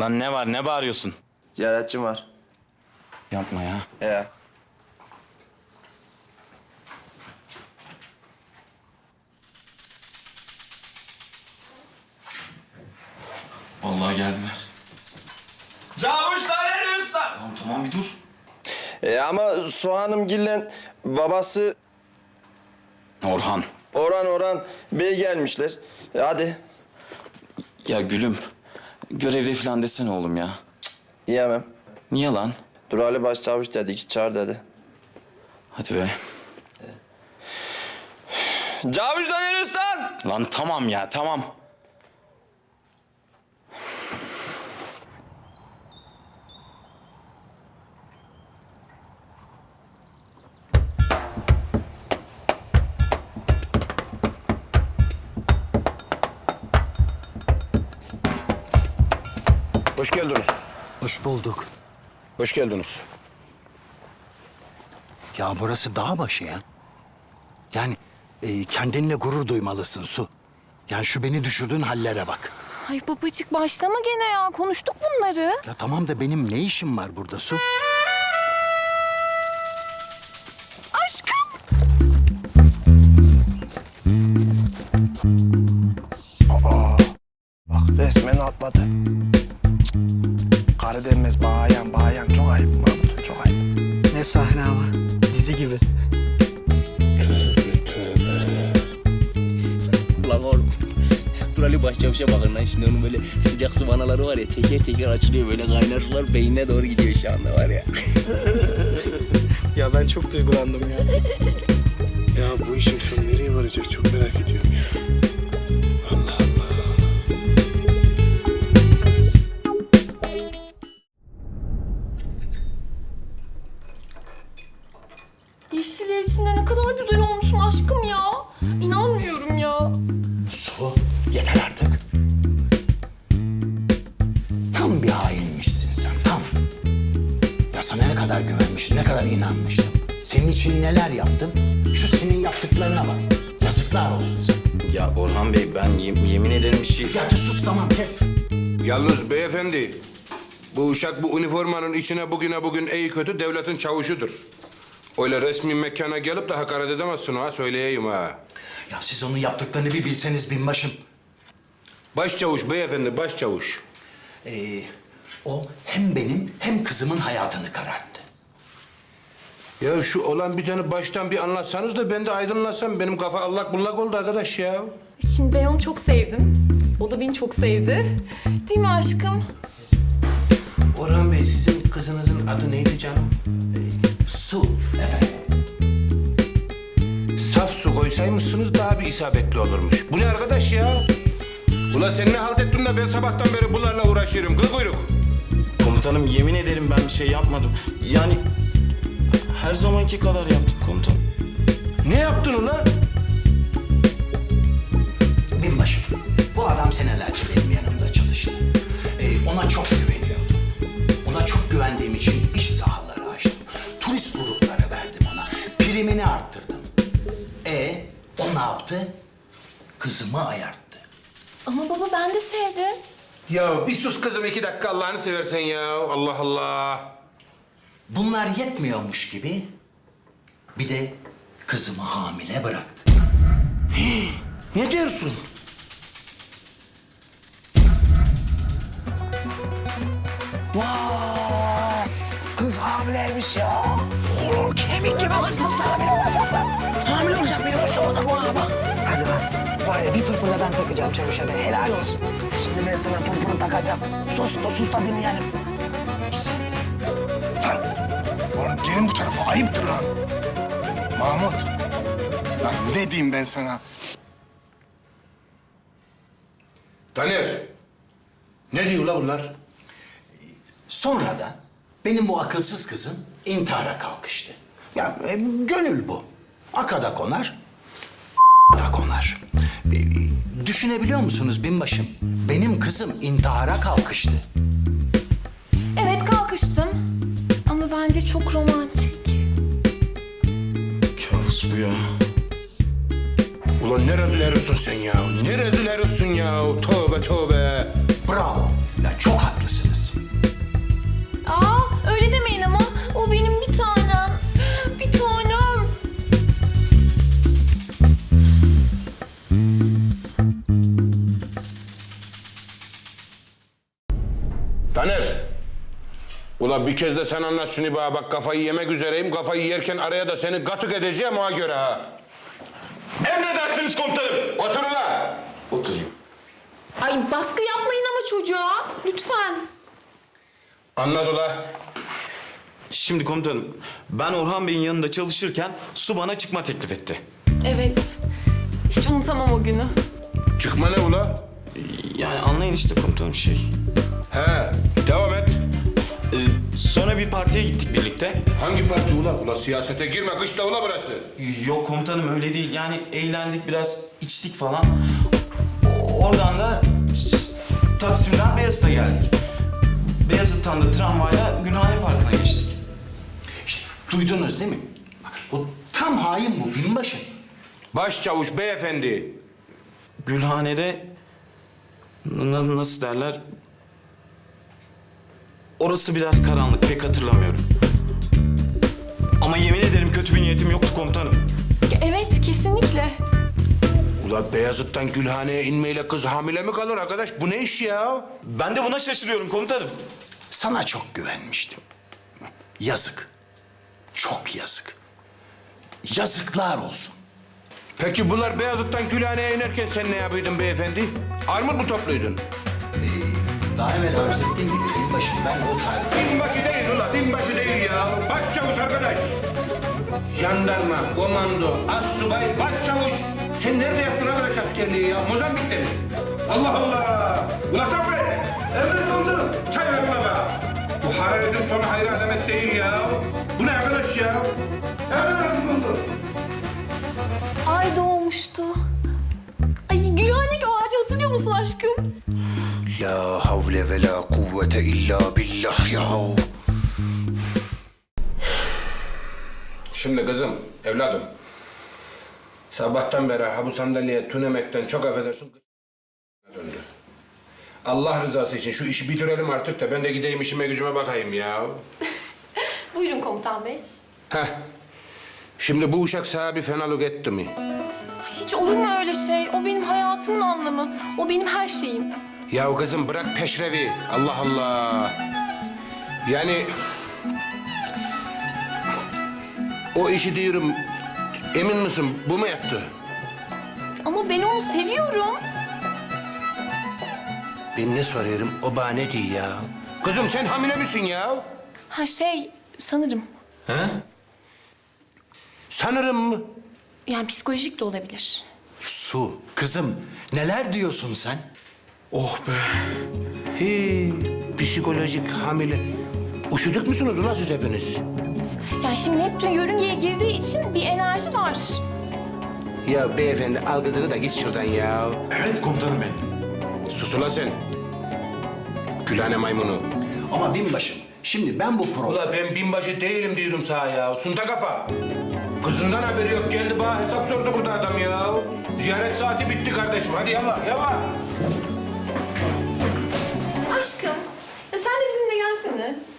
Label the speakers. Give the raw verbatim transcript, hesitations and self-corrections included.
Speaker 1: Lan ne var, ne bağırıyorsun?
Speaker 2: Ziyaretçim var.
Speaker 1: Yapma ya.
Speaker 2: He.
Speaker 1: Vallahi geldiler.
Speaker 2: Cavuş Taner Usta.
Speaker 1: Tamam tamam bir dur.
Speaker 2: E, ama Soğanımgil'le babası
Speaker 1: Orhan.
Speaker 2: Orhan Orhan Bey gelmişler. E, hadi.
Speaker 1: Ya gülüm. Görevde falan desene oğlum ya.
Speaker 2: Yiyemem.
Speaker 1: Niye lan?
Speaker 2: Dur Ali Başçavuş dedi ki çağır dedi.
Speaker 1: Hadi be.
Speaker 2: Cavuş Taner Usta.
Speaker 1: Lan tamam ya tamam.
Speaker 3: Hoş geldiniz.
Speaker 4: Hoş bulduk.
Speaker 3: Hoş geldiniz.
Speaker 4: Ya burası dağ başı ya. Yani e, kendinle gurur duymalısın Su. Yani şu beni düşürdüğün hallere bak.
Speaker 5: Ay babacık başlama gene ya. Konuştuk bunları.
Speaker 4: Ya tamam da benim ne işim var burada Su?
Speaker 5: Aşkım.
Speaker 2: Bak resmen atladı. Cık. Karı denmez bayan bayan. Çok ayıp Mahmut, çok ayıp.
Speaker 6: Ne sahne ama. Dizi gibi.
Speaker 7: Ulan oğlum. Dur Ali Başçavuş'a bakın lan şimdi onun böyle sıcak su vanaları var ya teker teker açılıyor böyle kaynar sular beynine doğru gidiyor şu anda var ya.
Speaker 6: Ya ben çok duygulandım ya.
Speaker 3: Ya bu işin sonu nereye varacak çok merak ediyorum ya. Allah Allah.
Speaker 5: Yeşiller içinde ne kadar güzel olmuşsun aşkım ya. İnanmıyorum ya.
Speaker 4: Su yeter artık. Tam bir hainmişsin sen tam. Ya sana ne kadar güvenmiştim, ne kadar inanmıştım. Senin için neler yaptım? Şu senin yaptıklarına bak. Yazıklar olsun sana.
Speaker 1: Ya Orhan Bey ben yem- yemin ederim bir şey...
Speaker 4: Ya de sus tamam kes.
Speaker 3: Yalnız beyefendi, bu uşak bu üniformanın içine bugüne bugün iyi kötü devletin çavuşudur. Öyle resmi mekana gelip de hakaret edemezsin ha, söyleyeyim ha.
Speaker 4: Ya siz onun yaptıklarını bir bilseniz binbaşım.
Speaker 3: Başçavuş beyefendi, başçavuş.
Speaker 4: Ee, o hem benim hem kızımın hayatını kararttı.
Speaker 3: Ya şu olan biteni baştan bir anlatsanız da ben de aydınlatsam. Benim kafa allak bullak oldu arkadaş ya.
Speaker 5: Şimdi ben onu çok sevdim. O da beni çok sevdi. Değil mi aşkım?
Speaker 3: Orhan Bey, sizin kızınızın adı neydi canım?
Speaker 4: Su efendim.
Speaker 3: Saf su koysaymışsınız daha bir isabetli olurmuş. Bu ne arkadaş ya? Ula sen ne halt ettin de ben sabahtan beri bunlarla uğraşıyorum. Kıl kuyruk.
Speaker 1: Komutanım yemin ederim ben bir şey yapmadım. Yani her zamanki kadar yaptım komutanım.
Speaker 3: Ne yaptın ulan?
Speaker 4: Binbaşım, bu adam senelerce benim yanımda çalıştı. Ee, ona çok güveniyordum. Ona çok güvendiğim için iş sahaları açtım. Turist grupları verdim ona. Primini arttırdım. E o ne yaptı? Kızımı ayarttı.
Speaker 5: Ama baba ben de sevdim.
Speaker 3: Ya bir sus kızım iki dakika Allah'ını seversen ya. Allah Allah.
Speaker 4: Bunlar yetmiyormuş gibi bir de kızımı hamile bıraktı.
Speaker 3: Ne diyorsun?
Speaker 4: Vay! Kız hamileymiş ya. Oğlum kemik gibi kız nasıl hamile olacak lan? Hamile olacak biri varsa orada bana bak.
Speaker 6: Hadi lan. Var ya bir pırpırla ben takacağım çavuşa be. Helal olsun.
Speaker 4: Şimdi ben sana pırpırı takacağım. Sus da sus da dinleyelim.
Speaker 8: Lan oğlum gelin bu tarafa ayıptır lan. Mahmut. Lan ne diyeyim ben sana?
Speaker 3: Taner. Ne diyor la bunlar?
Speaker 4: Sonra da benim bu akılsız kızım intihara kalkıştı. Ya e, gönül bu. Akada konar, da konar. E, düşünebiliyor musunuz binbaşım? Benim kızım intihara kalkıştı.
Speaker 5: Evet kalkıştım. Ama bence çok romantik.
Speaker 1: Kabus bu ya.
Speaker 3: Ulan ne rezil herifsin sen ya? Ne rezil herifsin ya? Tövbe tövbe.
Speaker 4: Bravo. Ya çok haklısınız.
Speaker 3: Taner. Ula bir kez de sen anlat şunu bana. Bak kafayı yemek üzereyim. Kafayı yerken araya da seni gatık edeceğim ona göre ha.
Speaker 1: Emredersiniz komutanım.
Speaker 3: Otur ula.
Speaker 1: Oturayım.
Speaker 5: Ay baskı yapmayın ama çocuğa. Lütfen.
Speaker 3: Anlat ula.
Speaker 1: Şimdi komutanım, ben Orhan Bey'in yanında çalışırken su bana çıkma teklif etti.
Speaker 5: Evet. Hiç unutamam o günü.
Speaker 3: Çıkma ne ula?
Speaker 1: Yani anlayın işte komutanım şey.
Speaker 3: He, devam et.
Speaker 1: Ee, sonra bir partiye gittik birlikte.
Speaker 3: Hangi parti ula? Ula siyasete girme, kışla ula burası.
Speaker 1: Yok komutanım öyle değil. Yani eğlendik biraz, içtik falan. Oradan da Taksim'den Beyazıt'a geldik. Beyazıt'tan da tramvayla Gülhane Parkı'na geçtik.
Speaker 4: İşte duydunuz değil mi? O tam hain bu binbaşı.
Speaker 3: Başçavuş beyefendi.
Speaker 1: Gülhane'de n- nasıl derler? Orası biraz karanlık, pek hatırlamıyorum. Ama yemin ederim kötü bir niyetim yoktu komutanım.
Speaker 5: Evet kesinlikle.
Speaker 3: Ula Beyazıt'tan Gülhane'ye inmeyle kız hamile mi kalır arkadaş? Bu ne iş ya?
Speaker 1: Ben de buna şaşırıyorum komutanım.
Speaker 4: Sana çok güvenmiştim. Yazık. Çok yazık. Yazıklar olsun.
Speaker 3: Peki bunlar Beyazıt'tan Gülhane'ye inerken sen ne yapıyordun beyefendi? Armut mu topluydun?
Speaker 4: Daha evvel arz ettiğim gibi binbaşım ben o tarih...
Speaker 3: Binbaşı değil ula, binbaşı değil ya. Başçavuş arkadaş. Jandarma, komando, assubay, başçavuş. Sen nerede yaptın arkadaş askerliği ya? Mozambik'te mi? Allah Allah! Ula Saffet! Emret oldu. Çay ver ula be. Bu hararetin sonu hayır alamet değil ya. Bu ne arkadaş ya? Emret oldu.
Speaker 5: Ay doğmuştu. Ay Gülhane ağacı hatırlıyor musun aşkım?
Speaker 3: La havle ve la kuvvete illa billah ya. Şimdi kızım, evladım. Sabahtan beri ha bu sandalyeye tünemekten çok affedersin döndü. Allah rızası için şu işi bitirelim artık da ben de gideyim işime gücüme bakayım ya.
Speaker 5: Buyurun komutan bey.
Speaker 3: Heh. Şimdi bu uşak sana bir fenalık etti mi?
Speaker 5: Hiç olur mu öyle şey? O benim hayatımın anlamı. O benim her şeyim.
Speaker 3: Ya kızım bırak peşrevi. Allah Allah. Yani... O işi diyorum, emin misin bu mu yaptı?
Speaker 5: Ama ben onu seviyorum.
Speaker 3: Ben ne soruyorum, o bana ne diyor ya? Kızım sen hamile misin ya?
Speaker 5: Ha şey sanırım.
Speaker 1: He?
Speaker 3: Sanırım mı?
Speaker 5: Yani psikolojik de olabilir.
Speaker 4: Su, kızım neler diyorsun sen?
Speaker 1: Oh be.
Speaker 3: He, psikolojik hamile. Üşüdük müsünüz ulan siz hepiniz?
Speaker 5: Yani şimdi Neptün yörüngeye girdiği için bir enerji var.
Speaker 3: Ya beyefendi al kızını da git şuradan ya.
Speaker 1: Evet komutanım benim.
Speaker 3: Sus ulan sen. Gülhane maymunu.
Speaker 4: Ama binbaşım şimdi ben bu pro...
Speaker 3: Ula ben binbaşı değilim diyorum sana ya. Sunta kafa. Kızından haberi yok. Geldi bana hesap sordu burada adam ya. Ziyaret saati bitti kardeşim. Hadi yallah yallah.
Speaker 5: Aşkım, ya sen de bizimle gelsene.